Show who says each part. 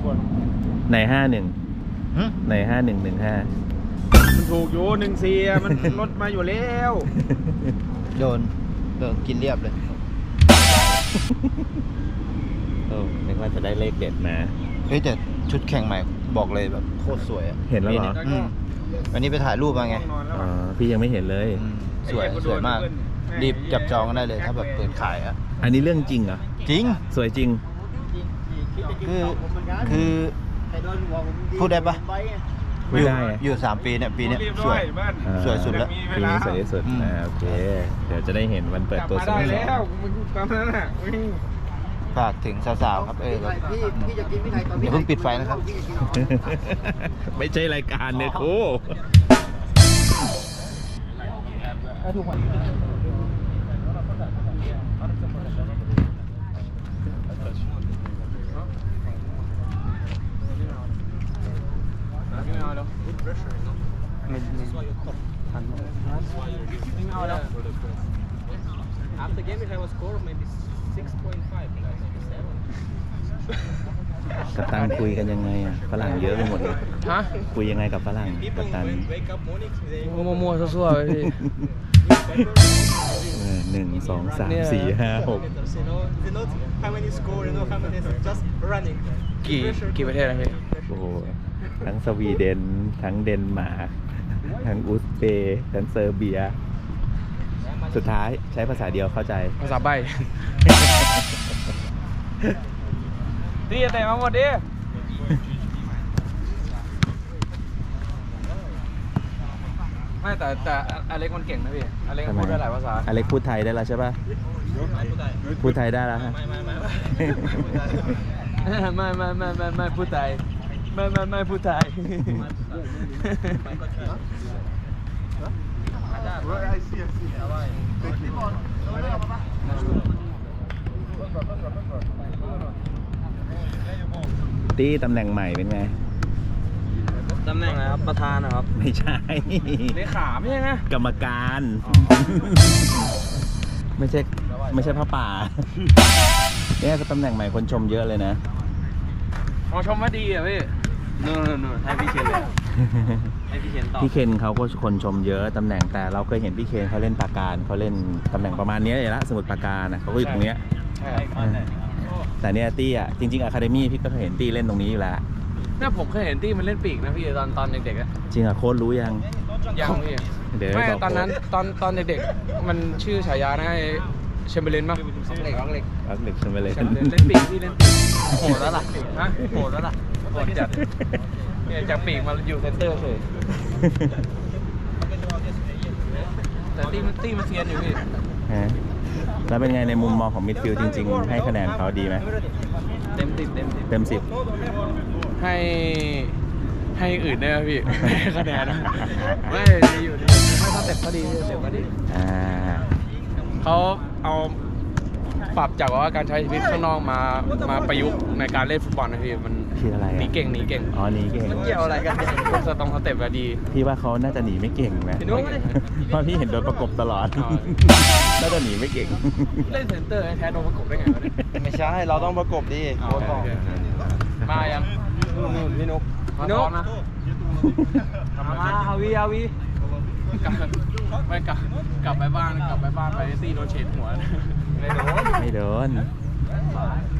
Speaker 1: ใน51ใน5115
Speaker 2: มันถูกอยู่14มันลดมาอยู่แล้ว
Speaker 3: โดนกินเรียบเลย
Speaker 1: โอ้นึกว่าจะได้เลขเด็ดมา
Speaker 3: เฮ้ยแต่ชุดแข่งใหม่บอกเลยแบบโคตรสวยเ
Speaker 1: ห็นแล้วเหรอ
Speaker 3: วันนี้ไปถ่ายรูปมาไง
Speaker 1: อ๋อพี่ยังไม่เห็นเลย
Speaker 3: สวยมากรีบจับจองกันได้เลยถ้าแบบเปิดขายอ่ะ
Speaker 1: อันนี้เรื่องจริงเหรอ
Speaker 3: จริง
Speaker 1: สวยจริง
Speaker 3: คือพูดได้ปะ
Speaker 1: ไม่ได้
Speaker 3: อยู่3 ปีเนี่ยปีนี้สวยสุดแล้ว
Speaker 1: ปีนี้สวยที่สุดโอเคเดี๋ยวจะได้เห็นวันเปิดตัวสโมสร
Speaker 2: แล้วมึงตามนั้นน่ะ
Speaker 3: ฝากถึงสาวๆครับพี่จะกินพี่ไทยตอนนี้อย่าเพิ่งปิดไฟนะครับ
Speaker 1: ไม่ใช่รายการเนี่ยครู
Speaker 4: After game, if I was score maybe 6.5,
Speaker 1: กัปตันคุยกันยังไงอ่ะฝรั่งเยอะไปหมดเลย
Speaker 4: ฮะ
Speaker 1: คุยยังไงกับฝรั่งกัปตัน
Speaker 4: มัวๆซั่วๆไปพี่
Speaker 1: 1 2 3 4 5 6
Speaker 4: กี่ประเทศนะพี่
Speaker 1: โอ้โหทั้งสวีเดนทั้งเดนมาร์กทั้งอุซเบย์ทั้งเซอร์เบียสุดท้ายใช้ภาษาเดียวเข้าใจ
Speaker 4: ภาษาใบ้ดีแต่มาหมดดิไม่แต่อเล็กมันเก่งนะพี่อเล็กพูดได้หลายภาษา
Speaker 1: อเล็กพูดไทยได้แล้วใช่ป่ะพูดไทยได้แล้วฮะ
Speaker 4: ไม่พูดไทยไม่พูดไทย
Speaker 1: ตี้ตำแหน่งใหม่เป็นไง
Speaker 4: ตำแหน่งอะไรครับประธานนะครับ
Speaker 1: ไม่ใช่
Speaker 4: เลขาไม่ใช่ไง
Speaker 1: กรรมการไม่ใช่พระป่าเนี่ยตำแหน่งใหม่คนชมเยอะเลยนะ
Speaker 4: ชมว่าดีอ่ะพี่นู่นให้พี่เคนเลยให้พี่เคนต่อ
Speaker 1: พี่เคนเขาก็คนชมเยอะตำแหน่งแต่เราเคยเห็นพี่เคนเขาเล่นปราการเขาเล่นตำแหน่งประมาณนี้เลยละสมุทรปราการนะเขาก็อยู่ตรงเนี้ยแต่เนี่ยตี้อ่ะจริงๆอะคาเดมี่พี่ก็เคยเห็นตี้เล่นตรงนี้อยู่แล้ว
Speaker 4: เนี่ยผมเคยเห็นตี้มันเล่นปีกนะพี่ตอนเด็กๆอะ
Speaker 1: จริงอะโค้ชรู้ยัง
Speaker 4: พี่ไม่ตอนนั้นตอนเด็กๆมันชื่อฉายานะเชมเบอร์เลนป่ะเล็ก
Speaker 1: เชมเบอร์เลน
Speaker 4: เล่นปีกพี่เล่นปีกโหดแล้วล่ะฮะโหดแล้วล่ะโหดจัดเนี่ยจากปีกมาอยู่เซนเตอร์เฉยแต่ตี้มันเซียนอยู่พี่
Speaker 1: แล้วเป็นไงในมุมมองของมิดฟิลด์จริงๆให้คะแนนเขาดีไหม
Speaker 4: เต็ม 10ให้อื่นได้ไหมพี่ให้คะแนนไม่ดีอยู่ดีไม่สเต็ปก็ดีเต็ปก็ดีเขาเอาปรับจากว่าการใช้ชีวิตข้างนอกมาประยุกต์ในการเล่นฟุตบอลนะพี่มัน
Speaker 1: คืออะไร
Speaker 4: หนีเก่ง
Speaker 1: อ๋อหนีเก่ง
Speaker 4: มันเกี่ยวอะไรกันสเต็ปก็ดี
Speaker 1: พี่ว่าเขาน่าจะหนีไม่เก่งนะเพราะพี่เห็นโดนประกบตลอดน่าจะหนีไม่เก่ง
Speaker 4: เล่นเซนเตอร์แทนโดนประกบได้ไงวะเนี่ย
Speaker 3: ไม่ใช่เราต้องประกบดิ
Speaker 4: มายังพี่นุ๊กนะมาฮาวีกลับไปบ้านไปตีโดนเฉดหัว
Speaker 1: ไม่โดน